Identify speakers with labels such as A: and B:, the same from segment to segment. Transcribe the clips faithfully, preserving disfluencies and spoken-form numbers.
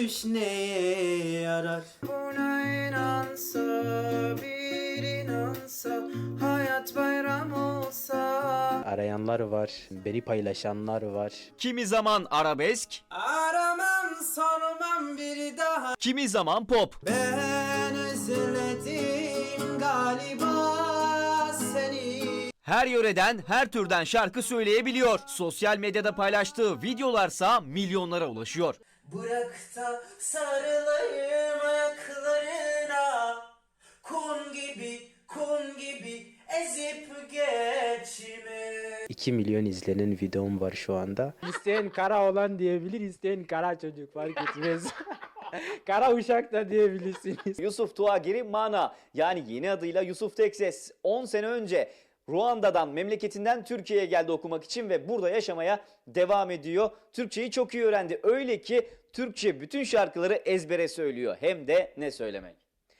A: düş neye yarar? Buna inansa bir inansa, hayat bayram olsa.
B: Arayanlar var, beni paylaşanlar var.
C: Kimi zaman arabesk,
A: Aramam sormam bir daha.
C: kimi zaman pop.
A: Ben özledim galiba seni.
C: Her yöreden, her türden şarkı söyleyebiliyor. Sosyal medyada paylaştığı videolarsa milyonlara ulaşıyor.
A: Bırak da sarılayım ayaklarına, kum gibi kum gibi ezip geçme.
B: iki milyon izlenen videom var şu anda. İsteyen kara olan diyebilir, isteyen kara çocuk fark etmez. Kara uşak da diyebilirsiniz.
D: Yusuf Tuagiri Mana, yani yeni adıyla Yusuf Tekses, on sene önce Ruanda'dan, memleketinden Türkiye'ye geldi okumak için ve burada yaşamaya devam ediyor. Türkçeyi çok iyi öğrendi. Öyle ki Türkçe bütün şarkıları ezbere söylüyor. Hem de ne söylemek.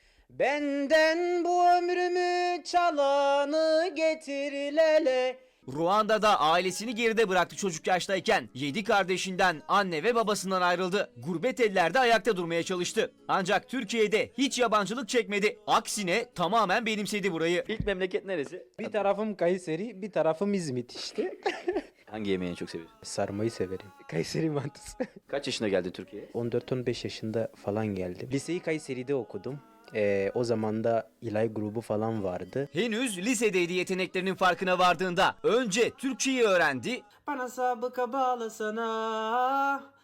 B: Benden bu ömrümü çalanı getir lele.
C: Ruanda'da ailesini geride bıraktı çocuk yaştayken. Yedi kardeşinden, anne ve babasından ayrıldı. Gurbet ellerde ayakta durmaya çalıştı. Ancak Türkiye'de hiç yabancılık çekmedi. Aksine tamamen benimsedi burayı.
D: İlk memleket neresi?
B: Bir tarafım Kayseri, bir tarafım İzmit işte.
D: Hangi yemeğini çok seviyorsun?
B: Sarmayı severim. Kayseri mantısı.
D: Kaç yaşına geldin Türkiye'ye?
B: on dört on beş yaşında falan geldim. Liseyi Kayseri'de okudum. Ee, o zaman da İlay grubu falan vardı.
C: Henüz lisedeydi yeteneklerinin farkına vardığında. Önce Türkçeyi öğrendi.
A: Bana sabıka bağlasana.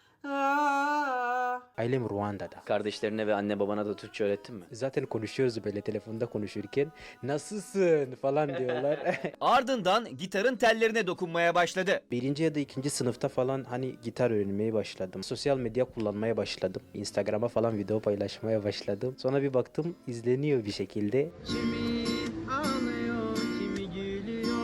A: Ah.
B: Ailem Ruanda'da.
D: Kardeşlerine ve anne babana da Türkçe öğrettin mi?
B: Zaten konuşuyoruz böyle telefonda konuşurken. Nasılsın falan diyorlar.
C: Ardından gitarın tellerine dokunmaya başladı.
B: Birinci ya da ikinci sınıfta falan hani gitar öğrenmeye başladım. Sosyal medya kullanmaya başladım. Instagram'a falan video paylaşmaya başladım. Sonra bir baktım izleniyor bir şekilde.
A: Kimi ağlıyor, kimi gülüyor.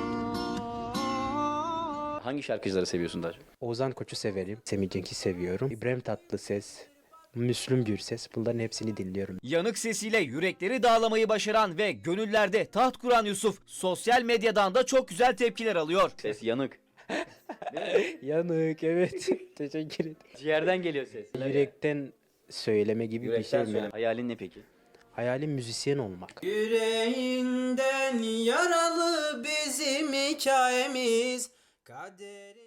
D: Hangi şarkıcıları seviyorsun daha çok?
B: Oğuzhan Koç'u severim. Semih Cenk'i seviyorum. İbrahim Tatlıses, Müslüm Gürses, bunların hepsini dinliyorum.
C: Yanık sesiyle yürekleri dağlamayı başaran ve gönüllerde taht kuran Yusuf, sosyal medyadan da çok güzel tepkiler alıyor.
D: Ses yanık.
B: Yanık, evet. Teşekkür ederim.
D: Ciğerden geliyor ses.
B: Yürekten söyleme gibi
D: Yürekten
B: bir şey mi?
D: söyle. Hayalin ne peki?
B: Hayalim müzisyen olmak.
A: Yüreğinden yaralı bizim hikayemiz. Kaderi